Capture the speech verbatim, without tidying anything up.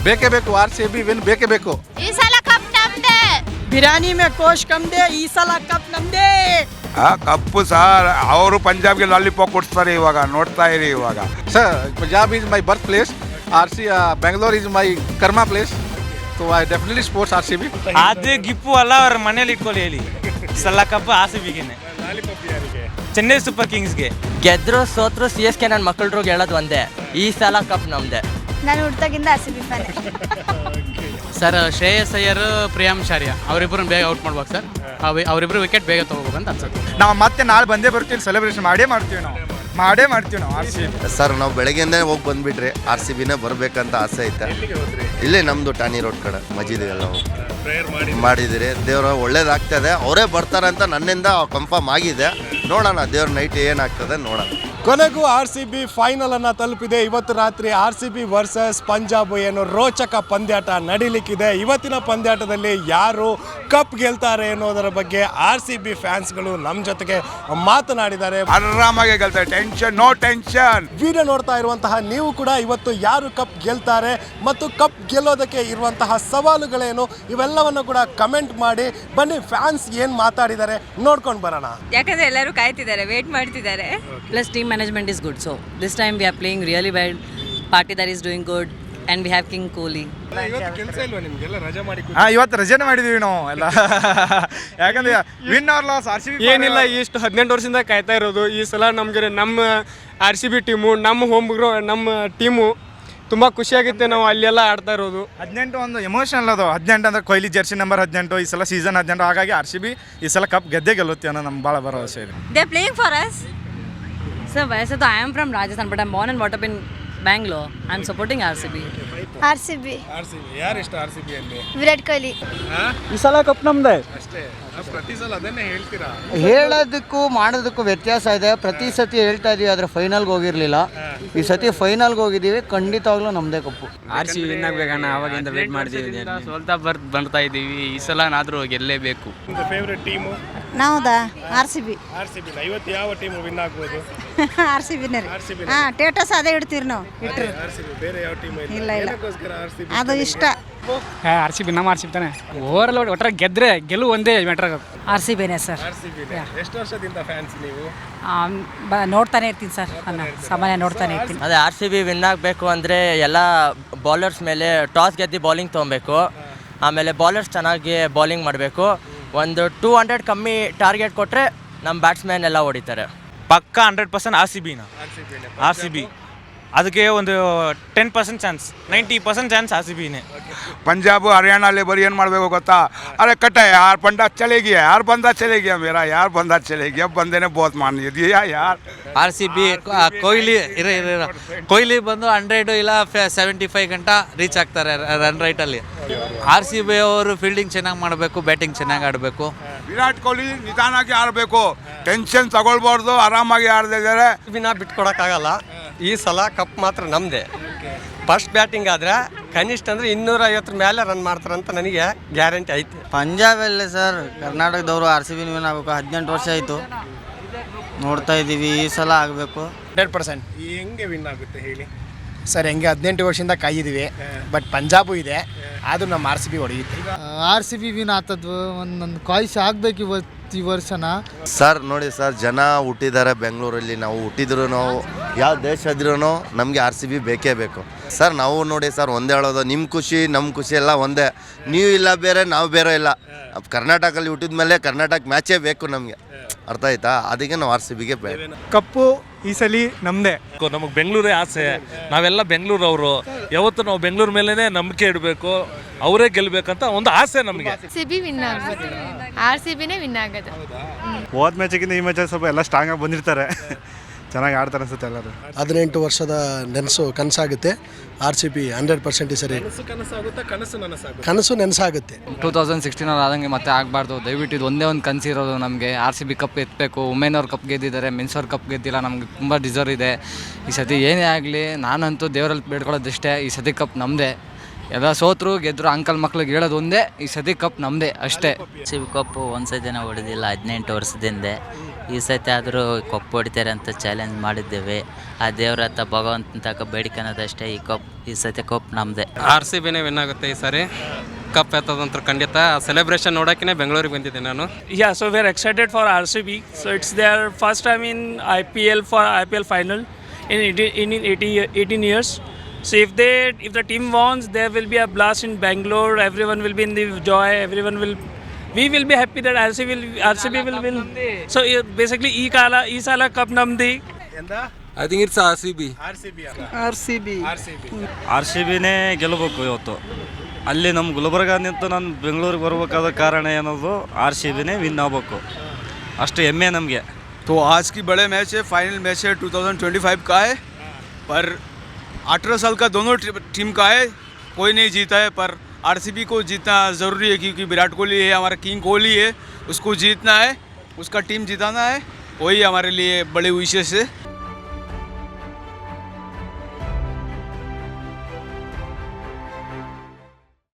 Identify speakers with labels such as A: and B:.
A: ಬೇಕೇ ಬೇಕು, R C B win ಬೇಕೇ ಬೇಕು.
B: ಈ ಸಲ ಕಪ್ ನಮ್ದೇ.
C: ಬಿರಿಯಾನಿ ಮೇ ಕೋಶ್ ಕಮ್ದೆ, ಈ ಸಲ ಕಪ್ ನಮ್ದೇ.
D: ಆ ಕಪ್ಪು ಸರ್ ಅವರು ಪಂಜಾಬ್ಗೆ ಲಾಲಿಪಾಪ್ ಕೊಡ್ತಾರೆ ಇವಾಗ, ನೋಡ್ತಾ ಇರಿ ಇವಾಗ.
A: Sir Punjab is my birth place, R C Bengaluru is my karma place, so I definitely sports R C B.
E: ಅದು ಗಿಪ್ಪು ಅಲ್ಲ, ಅವ್ರ ಮನೇಲಿ ಇಟ್ಕೊಳ್ಳಿ ಹೇಳಿ. ಸಲ ಕಪ್ ಆರ್ ಸಿ ಬಿಗೆನೆ, ಚೆನ್ನೈ ಸೂಪರ್ ಕಿಂಗ್ಸ್ಗೆ.
F: ಗೆದ್ರು ಸೋತ್ರು ಸಿ ಎಸ್ ಕೆ ನನ್ನ ಮಕ್ಕಳ್ರಿಗೆ ಹೇಳೋದು ಒಂದೇ, ಈ ಸಲ ಕಪ್ ನಮ್ದೆ.
B: ನಾನು ಹುಡ್ತಾಗಿಂದ R C B fan.
G: Sir Shreyas Iyer Priyansh Arya ಅವರಿಬ್ಬರನ್ನ ಬೇಗ ಔಟ್ ಮಾಡ್ಬೇಕು ಸರ್. ಅವರಿಬ್ಬರು ವಿಕೆಟ್ ಬೇಗ ತೊಗೋಬೇಕು ಅಂತ ಅನ್ಸುತ್ತೆ.
H: ನಾವು ಮತ್ತೆ ನಾಳೆ ಬಂದೇ ಬರ್ತೀವಿ, ಸೆಲೆಬ್ರೇಷನ್ ಮಾಡೇ ಮಾಡ್ತೀವಿ, ನಾವು ಮಾಡೇ ಮಾಡ್ತೀವಿ ನಾವು ಆರ್ ಸಿ ಬಿ.
I: ಸರ್ ನಾವು ಬೆಳಗ್ಗೆನೇ ಹೋಗಿ ಬಂದುಬಿಟ್ರೆ ಆರ್ ಸಿ ಬಿನೇ ಬರಬೇಕಂತ ಆಸೆ ಐತೆ. ಇಲ್ಲೇ ನಮ್ಮದು ಟಾನಿ ರೋಡ್ ಕಡೆ ಮಜೀದಿಗೆಲ್ಲ ಮಾಡಿದಿರಿ. ದೇವ್ರ ಒಳ್ಳೇದಾಗ್ತದೆ, ಅವರೇ ಬರ್ತಾರೆ ಅಂತ ನನ್ನಿಂದ ಕನ್ಫರ್ಮ್ ಆಗಿದೆ. ನೋಡೋಣ ದೇವ್ರ ನೈಟ್ ಏನಾಗ್ತದೆ ನೋಡೋಣ.
J: ಕೊನೆಗೂ ಆರ್ ಸಿ ಬಿ ಫೈನಲ್ ಅನ್ನು ತಲುಪಿದೆ. ಇವತ್ತು ರಾತ್ರಿ R C B versus Punjab ಏನು ರೋಚಕ ಪಂದ್ಯಾಟ ನಡೀಲಿಕ್ಕಿದೆ. ಇವತ್ತಿನ ಪಂದ್ಯಾಟದಲ್ಲಿ ಯಾರು ಕಪ್ ಗೆಲ್ತಾರೆ ಅನ್ನೋದರ ಬಗ್ಗೆ ಆರ್ ಸಿ ಬಿ ಫ್ಯಾನ್ಸ್ಗಳು ನಮ್ಮ ಜೊತೆಗೆ ಮಾತನಾಡಿದ್ದಾರೆ.
D: ಆರಾಮಾಗಿ ಗೆಲ್ತಾರೆ, ಟೆನ್ಷನ್ ನೋ ಟೆನ್ಷನ್.
J: ವಿಡಿಯೋ ನೋಡ್ತಾ ಇರುವಂತಹ ನೀವು ಕೂಡ ಇವತ್ತು ಯಾರು ಕಪ್ ಗೆಲ್ತಾರೆ ಮತ್ತು ಕಪ್ ಗೆಲ್ಲೋದಕ್ಕೆ ಇರುವಂತಹ ಸವಾಲುಗಳೇನು ಇವೆಲ್ಲವನ್ನು ಕೂಡ ಕಮೆಂಟ್ ಮಾಡಿ ಬನ್ನಿ. ಫ್ಯಾನ್ಸ್ ಏನು ಮಾತಾಡಿದ್ದಾರೆ ನೋಡ್ಕೊಂಡು ಬರೋಣ.
B: ಯಾಕಂದ್ರೆ ಎಲ್ಲರೂ ಕಾಯ್ತಿದ್ದಾರೆ, ವೇಟ್ ಮಾಡ್ತಿದ್ದಾರೆ.
C: Plus team management is good, so this time we are playing really well. Patidar is doing good and we have King Kohli.
H: ಹಾಂ ಇವತ್ತು ರಜೆನೇ ಮಾಡಿದ್ದೀವಿ ನಾವು ಎಲ್ಲ. ಯಾಕಂದ್ರೆ win or loss R C B
E: ಏನಿಲ್ಲ, ಇಷ್ಟು ಹದಿನೆಂಟು ವರ್ಷದಿಂದ ಕಾಯ್ತಾ ಇರೋದು. ಈ ಸಲ ನಮಗೆ ನಮ್ಮ ಆರ್ ಸಿ ಬಿ ಟೀಮು, ನಮ್ಮ ಹೋಮ್ ಗ್ರೌ ನಮ್ಮ ಟೀಮು ತುಂಬ ಖುಷಿಯಾಗುತ್ತೆ. ನಾವು ಅಲ್ಲೆಲ್ಲ ಆಡ್ತಾ ಇರೋದು.
H: ಹದಿನೆಂಟು ಒಂದು ಎಮೋಷನಲ್ ಅದು. ಹದಿನೆಂಟು ಅಂದ್ರೆ ಕೊಹ್ಲಿ ಜರ್ಸಿ ನಂಬರ್ ಹದಿನೆಂಟು, ಈ ಸಲ ಸೀಸನ್ ಹದಿನೆಂಟು. ಹಾಗಾಗಿ ಆರ್ ಸಿ ಬಿ ಈ ಸಲ ಕಪ್ ಗೆದ್ದೇ ಗೆಲ್ಲುತ್ತೆ ಅನ್ನೋ ನಮ್ಗೆ ಭಾಳ ಭರವಸೆ ಇದೆ.
B: They are playing for us.
C: Sir, वैसे तो I am from Rajasthan but I am born and brought up in Bangalore. I am supporting R C B.
B: R C B.
J: R C B ಯಾರು ಇಷ್ಟ? R C B ಅಲ್ಲಿ
B: ವಿರಾಟ್ ಕೊಹ್ಲಿ.
H: ಈ ಸಲ cup ನಮ್ದೆ
J: ಅಷ್ಟೇ, ಪ್ರತಿ ಸಲ ಅದನ್ನೇ ಹೇಳ್ತೀರಾ?
F: ಹೇಳೋದಕ್ಕೂ ಮಾಡೋದಕ್ಕೂ ವ್ಯತ್ಯಾಸ ಇದೆ. ಪ್ರತಿ ಸತಿ ಹೇಳ್ತಾ ಇದೀವಿ, ಆದರೆ ಫೈನಲ್ಗೆ ಹೋಗಿರಲಿಲ್ಲ. ಈ ಸತಿ ಫೈನಲ್ಗೆ ಹೋಗಿದ್ದೀವಿ, ಖಂಡಿತವಾಗ್ಲೂ ನಮ್ಮದೇ cup.
G: R C B win ಆಗಬೇಕಣ್ಣ, ಅವಾಗಿಂದ ವೇಟ್ ಮಾಡ್ತೀವಿ. ಸೋಲ್ತಾ ಬರ್ ಬರ್ತಾ ಇದ್ದೀವಿ, ಈ ಸಲನಾದರೂ ಗೆಲ್ಲೇಬೇಕು.
J: ನಿಮ್ದು ಫೇವ್ರೆಟ್ ಟೀಮು?
B: ನಾವುದಾ R C B.
J: R C B. ಇವತ್ತು ಯಾವ ಟೀಮು ವಿನ್ ಆಗ್ಬೋದು?
B: ಆರ್ ಸಿ ಬಿನೇ.
J: R C B.
B: ಹಾಂ, ಟೇಟಸ್ ಅದೇ ಇಡ್ತೀವಿ ನಾವು. ಇಟ್ಟರು
J: ಆರ್ ಸಿ ಬಿ. ಬೇರೆ ಯಾವ ಟೀಮ್
B: ಇಲ್ಲ ಇಲ್ಲ,
J: ಆರ್ ಸಿ ಬಿ
B: ಅದು ಇಷ್ಟ.
G: ಆರ್ ಸಿ ಬಿ ನಮ್ಮ ಆರ್ ಸಿ ಬಿ ತಾನೆ. ಓವರ್ ಆಲ್ ಒಟ್ಟಾರೆ ಗೆದ್ರೆ ಗೆಲುವು ಒಂದೇ ಮ್ಯಾಟ್ರ್ ಆಗುತ್ತೆ.
C: ಆರ್ ಸಿ ಬಿನೇ ಸರ್.
J: R C B. ಎಷ್ಟು ವರ್ಷದಿಂದ ಫ್ಯಾನ್ಸ್ ನೀವು?
C: ನೋಡ್ತಾನೆ ಇರ್ತೀನಿ ಸರ್, ನಾನು ಸಾಮಾನ್ಯ ನೋಡ್ತಾನೆ ಇರ್ತೀನಿ.
F: ಅದೇ ಆರ್ ಸಿ ಬಿ ವಿನ್ ಆಗಬೇಕು ಅಂದರೆ ಎಲ್ಲ ಬೌಲರ್ಸ್ ಮೇಲೆ ಟಾಸ್ ಗೆದ್ದು ಬೌಲಿಂಗ್ ತೊಗೊಬೇಕು. ಆಮೇಲೆ ಬೌಲರ್ಸ್ ಚೆನ್ನಾಗಿ ಬೌಲಿಂಗ್ ಮಾಡಬೇಕು. ಒಂದು ಟೂ ಹಂಡ್ರೆಡ್ ಕಮ್ಮಿ ಟಾರ್ಗೆಟ್ ಕೊಟ್ಟರೆ ನಮ್ಮ ಬ್ಯಾಟ್ಸ್ಮನ್ ಎಲ್ಲ ಹೊಡಿತಾರೆ.
E: ಪಕ್ಕ ಹಂಡ್ರೆಡ್ ಪರ್ಸೆಂಟ್ ಆರ್ ಸಿ ಬಿನ, ಆರ್ ಸಿ ಬಿ. ಅದಕ್ಕೆ ಒಂದು ten percent chance, ninety percent chance R C ಬಿನೇ.
D: पंजाब हरियाणा ले बरी ಏನು ಮಾಡಬೇಕು ಗೊತ್ತಾ? अरे कटा यार पंडा चले गया यार, बंदा चले गया मेरा यार, बंदा चले गया, बंदे ने बहुत मान दिया यार.
G: ಆರ್ ಸಿ ಬಿ ಕೊಹ್ಲಿ ಇರ ಇರ ಕೊಹ್ಲಿ ಬಂದು ಹಂಡ್ರೆಡ್ ಇಲ್ಲ ಸೆವೆಂಟಿ ಫೈವ್ ಗಂಟ ರೀಚ್ ಆಗ್ತಾರೆ ರನ್ ರೈಟಲ್ಲಿ. ಆರ್ ಸಿ ಬಿ ಅವರು ಫೀಲ್ಡಿಂಗ್ ಚೆನ್ನಾಗಿ ಮಾಡಬೇಕು, ಬ್ಯಾಟಿಂಗ್ ಚೆನ್ನಾಗಿ ಆಡಬೇಕು.
D: ವಿರಾಟ್ ಕೊಹ್ಲಿ ನಿಧಾನಾಗಿ ಆಡಬೇಕು, ಟೆನ್ಷನ್ ತಗೊಳ್ಬಾರ್ದು, ಆರಾಮಾಗಿ ಆಡ್ದಿದ್ದಾರೆ.
F: ಬಿನ ಬಿಟ್ಕೊಡೋಕ್ಕಾಗಲ್ಲ. ಈ ಸಲ ಕಪ್ ಮಾತ್ರ ನಮ್ಮದೇ. ಫಸ್ಟ್ ಬ್ಯಾಟಿಂಗ್ ಆದರೆ ಕನಿಷ್ಠ ಅಂದರೆ ಇನ್ನೂರ ಐವತ್ತರ ಮೇಲೆ ರನ್ ಮಾಡ್ತಾರಂತ ನನಗೆ ಗ್ಯಾರಂಟಿ ಐತೆ.
K: ಪಂಜಾಬಲ್ಲೇ ಸರ್, ಕರ್ನಾಟಕದವರು ಆರ್ ಸಿ ಬಿ ವಿನ್ ಆಗಬೇಕು. ಹದಿನೆಂಟು ವರ್ಷ ಆಯಿತು ನೋಡ್ತಾ ಇದ್ದೀವಿ, ಈ ಸಲ ಆಗಬೇಕು
J: ಹಂಡ್ರೆಡ್ ಪರ್ಸೆಂಟ್. ಹೆಂಗೆ ವಿನ್ ಆಗುತ್ತೆ ಹೇಳಿ ಸರ್? ಹೆಂಗೆ ಹದಿನೆಂಟು ವರ್ಷದಿಂದ ಕಾಯಿದ್ದೀವಿ, ಬಟ್ ಪಂಜಾಬು ಇದೆ, ಆದರೂ ನಮ್ಮ ಆರ್ ಸಿ ಬಿ ಹೊಡೆಯುತ್ತೆ.
K: ಆರ್ ಸಿ ಬಿ ವಿನ್ ಆಗ್ತದ್ವು, ಒಂದೊಂದು ಕಾಯ್ಸ್ ಆಗಬೇಕು ಇವತ್ತು ಈ ವರ್ಷನ.
I: ಸರ್ ನೋಡಿ ಸರ್, ಜನ ಹುಟ್ಟಿದ್ದಾರೆ ಬೆಂಗಳೂರಲ್ಲಿ. ನಾವು ಹುಟ್ಟಿದ್ರು, ನಾವು ಯಾವ ದೇಶ ಇದ್ರೂ ನಮಗೆ ಆರ್ ಸಿ ಬಿ ಬೇಕೇ ಬೇಕು ಸರ್. ನಾವು ನೋಡಿ ಸರ್, ಒಂದೇ ಹೇಳೋದು, ನಿಮ್ಮ ಖುಷಿ ನಮ್ಮ ಖುಷಿ ಎಲ್ಲ ಒಂದೇ. ನೀವು ಇಲ್ಲ ಬೇರೆ, ನಾವು ಬೇರೆ ಇಲ್ಲ. ಕರ್ನಾಟಕದಲ್ಲಿ ಹುಟ್ಟಿದ ಮೇಲೆ ಕರ್ನಾಟಕ ಮ್ಯಾಚೇ ಬೇಕು ನಮಗೆ, ಅರ್ಥ ಆಯ್ತಾ? ಅದಕ್ಕೆ ನಾವು ಆರ್ ಸಿ ಬಿಗೆ ಬೇಕು.
H: ಕಪ್ಪು ಈ ಸಲ ನಮ್ಮದೇ.
E: ನಮಗೆ ಬೆಂಗಳೂರೇ ಆಸೆ, ನಾವೆಲ್ಲ ಬೆಂಗಳೂರು ಅವರು. ಯಾವತ್ತು ನಾವು ಬೆಂಗಳೂರು ಮೇಲೇ ನಂಬಿಕೆ ಇಡಬೇಕು, ಅವರೇ ಗೆಲ್ಲಬೇಕಂತ ಒಂದು ಆಸೆ ನಮಗೆ.
B: ಆರ್ ಸಿ ಬಿ ವಿನ್ ಆಗೋದು, ಆರ್ ಸಿ ಬಿನೇ ವಿನ್ ಆಗೋದು.
H: ಹೋದ ಮ್ಯಾಚಿಗಿಂತ ಈ ಮ್ಯಾಚಲ್ಲಿ ಸ್ವಲ್ಪ ಎಲ್ಲ ಸ್ಟ್ರಾಂಗಾಗಿ ಬಂದಿರ್ತಾರೆ, ಚೆನ್ನಾಗಿ ಆಡ್ತಾರೆ ಅನ್ಸುತ್ತೆ ಎಲ್ಲರೂ.
J: ಹದಿನೆಂಟು ವರ್ಷದ ನೆನಸು ಕನಸಾಗುತ್ತೆ. R C B hundred percent ಈ ಸರಿ ಕನಸು ನೆನಸಾಗುತ್ತೆ.
G: ಟೂ ತೌಸಂಡ್ ಸಿಕ್ಸ್ಟೀನ್ ಅವ್ರು ಆದಂಗೆ ಮತ್ತೆ ಆಗಬಾರ್ದು. ದಯವಿಟ್ಟು ಇದು ಒಂದೇ ಒಂದು ಕನಸಿರೋದು ನಮಗೆ. ಆರ್ ಸಿ ಬಿ ಕಪ್ ಎತ್ತಬೇಕು. ವುಮೆನ್ ಅವ್ರ ಕಪ್ ಗೆದ್ದಿದ್ದಾರೆ, ಮೆನ್ಸ್ ಅವ್ರ ಕಪ್ ಗೆದ್ದಿಲ್ಲ. ನಮ್ಗೆ ತುಂಬ ಡಿಸರ್ವ್ ಇದೆ. ಈ ಸತಿ ಏನೇ ಆಗಲಿ ನಾನಂತೂ ದೇವರಲ್ಲಿ ಬೇಡ್ಕೊಳ್ಳೋದಷ್ಟೇ, ಈ ಸತಿ ಕಪ್ ನಮ್ಮದೇ.
K: ಎಲ್ಲ ಸೋತರು ಗೆದ್ರು ಅಂಕಲ್ ಮಕ್ಳಿಗೆ ಹೇಳೋದು ಒಂದೇ, ಈ ಸತಿ ಕಪ್ ನಮ್ಮದೇ ಅಷ್ಟೇ.
C: ಸಿ ಬಿ ಕಪ್ಪು ಒಂದು ಸತಿನ ಹೊಡೆದಿಲ್ಲ ಹದಿನೆಂಟು ವರ್ಷದಿಂದ. ಈ ಸತಿ ಆದರೂ ಕಪ್ ಹೊಡಿತಾರೆ ಅಂತ ಚಾಲೆಂಜ್ ಮಾಡಿದ್ದೇವೆ. ಆ ದೇವ್ರ ಹತ್ರ ಭಗವಂತನ ತಕ ಬೇಡಿಕೊಳ್ಳೋದಷ್ಟೇ. ಈ ಕಪ್ ಈ ಸತಿ ಕಪ್ ನಮ್ಮದೇ.
E: ಆರ್ ಸಿ ಬಿನೇ ವಿನ್ ಆಗುತ್ತೆ ಈ ಸಾರಿ. ಕಪ್ ಎತ್ತದಂತ ಖಂಡಿತ. ಸೆಲೆಬ್ರೇಷನ್ ನೋಡೋಕೆ ಬೆಂಗಳೂರಿಗೆ ಬಂದಿದ್ದೆ ನಾನು.
L: Yeah, so we are excited for R C B. So it's their first time in I P L for I P L final in in eighty, eighteen years. So if they if the team wins, there will be a blast in Bangalore. Everyone will be in the joy. Everyone will we will be happy that R C B will R C B will win. So uh, basically, e kala e sala cup namdi.
E: I think it's R C B.
J: R C B
K: R C B
J: R C B
H: R C ಬಿನೇ ಗೆಲ್ಲಬೇಕು ಇವತ್ತು. ಅಲ್ಲಿ ನಮ್ಮ ಗುಲ್ಬರ್ಗ ನಿಂತು ನಾನು ಬೆಂಗಳೂರಿಗೆ ಬರಬೇಕಾದ ಕಾರಣ ಏನದು, ಆರ್ ಸಿ ಬಿನೇ ವಿನ್ ಆಗಬೇಕು, ಅಷ್ಟು ಹೆಮ್ಮೆ ನಮಗೆ.
D: तो आज की बड़े मैच है, फाइनल मैच है टू थाउजेंड ट्वेंटी फाइव का है, पर अठारह साल का दोनों टीम का है, कोई नहीं जीता है, पर आरसीबी को जीतना ज़रूरी है क्योंकि विराट कोहली है, हमारा किंग कोहली है, उसको जीतना है, उसका टीम जिताना है, वही हमारे लिए बड़े विशेष है.